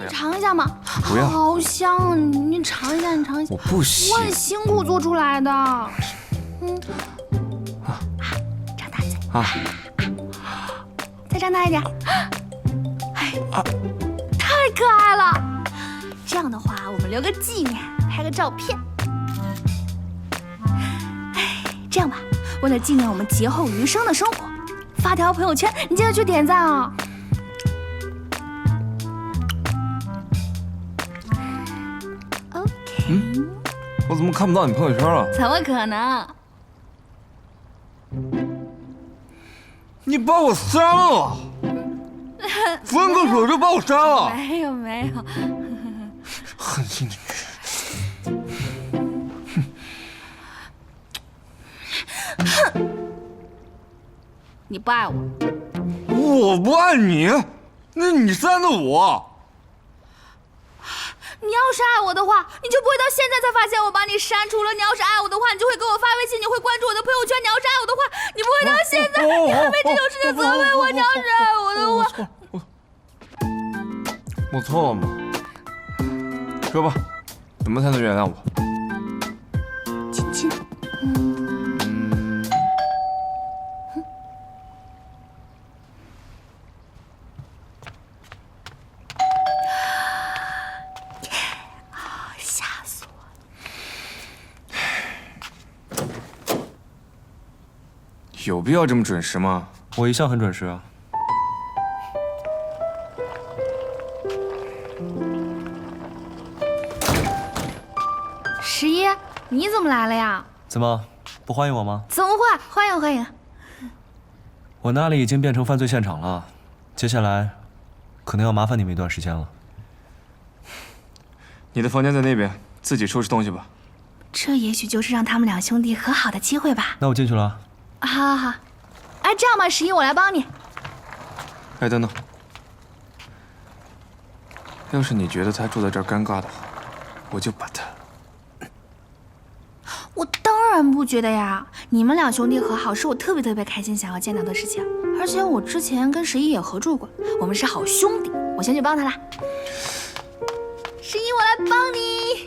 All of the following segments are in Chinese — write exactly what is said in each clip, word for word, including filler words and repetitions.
尝一下嘛。 不要， 好香啊！你你尝一下，你尝一下。 我不行。 我很辛苦做出来的。嗯。啊，张大嘴。啊。再张大一点。哎，啊，太可爱了。这样的话，我们留个纪念，拍个照片。哎，这样吧，为了纪念我们劫后余生的生活，发条朋友圈，你记得去点赞啊。OK。 嗯，我怎么看不到你朋友圈了？ 怎么可能？ 你把我删了，分个手就把我删了。 没有没有， 狠心的女人。 哼！你不爱我？ 我不爱你，那你删的我。 你要是爱我的话，你就不会到现在才发现我把你删除了。你要是爱我的话，你就会给我发微信，你会关注我的朋友圈。你要是爱我的话，你不会到现在，你还为这种事情责备我。你要是爱我的话， 我我错了吗？说吧，怎么才能原谅我？ 亲亲。嗯。吓死我了！ 有必要这么准时吗？ 我一向很准时啊。 十一，你怎么来了呀？ 怎么不欢迎我吗？ 怎么会？欢迎欢迎！ 我那里已经变成犯罪现场了，接下来可能要麻烦你们一段时间了。 你的房间在那边，自己收拾东西吧。 这也许就是让他们两兄弟和好的机会吧。 那我进去了。 好好好，哎，这样吧，十一，我来帮你。 哎，等等，要是你觉得他住在这儿尴尬的话，我就把他…… 我当然不觉得呀，你们两兄弟和好是我特别特别开心想要见到的事情，而且我之前跟十一也合住过，我们是好兄弟。我先去帮他啦。十一，我来帮你。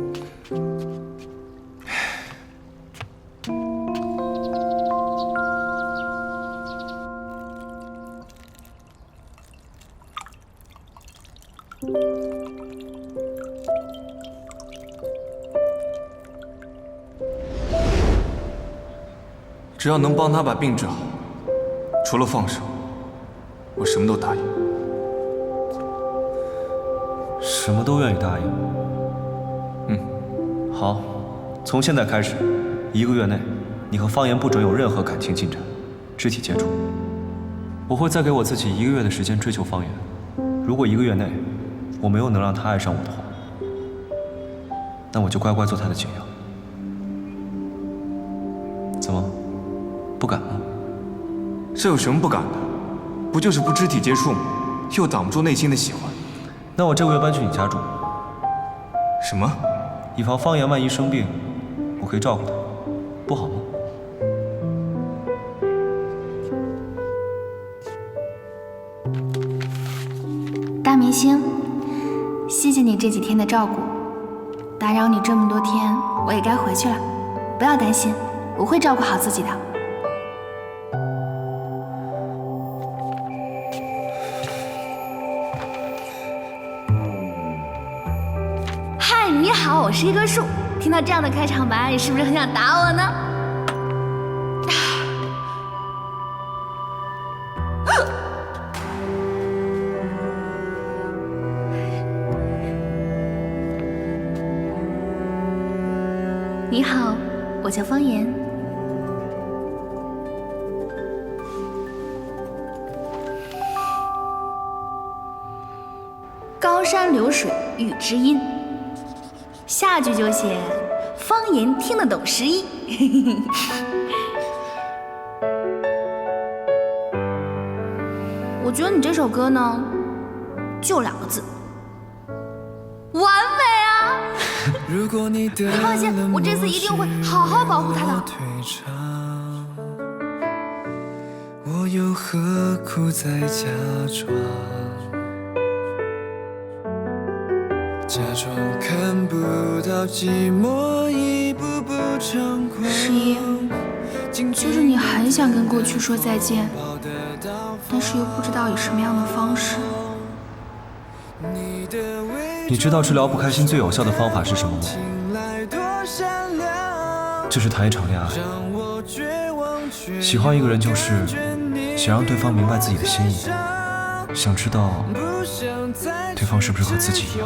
只要能帮他把病治好，除了放手，我什么都答应。 什么都愿意答应。 嗯， 好，从现在开始，一个月内，你和方言不准有任何感情进展，肢体接触。我会再给我自己一个月的时间追求方言。如果一个月内我没有能让他爱上我的话，那我就乖乖做他的解药。怎么？不敢吗？ 这有什么不敢的？不就是不肢体接触吗？又挡不住内心的喜欢。 那我这个月搬去你家住。 什么？ 以防方言万一生病，我可以照顾他，不好吗？ 大明星，谢谢你这几天的照顾，打扰你这么多天，我也该回去了。不要担心，我会照顾好自己的。嗨，你好，我是一棵树。听到这样的开场白，你是不是很想打我呢？你好，我叫方言。高山流水遇知音，下句就写方言听得懂十一。我觉得你这首歌呢，就两个字，完美啊！你放心，我这次一定会好好保护他的。 我又何苦再假装？ 假装看不到寂寞一步步猖狂。 十一，就是你很想跟过去说再见，但是又不知道以什么样的方式。 你知道治疗不开心最有效的方法是什么吗？就是谈一场恋爱。喜欢一个人就是想让对方明白自己的心意，想知道对方是不是和自己一样。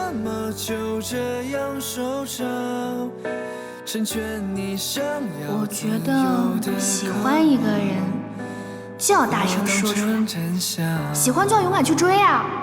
我觉得喜欢一个人就要大声说出来，喜欢就要勇敢去追啊！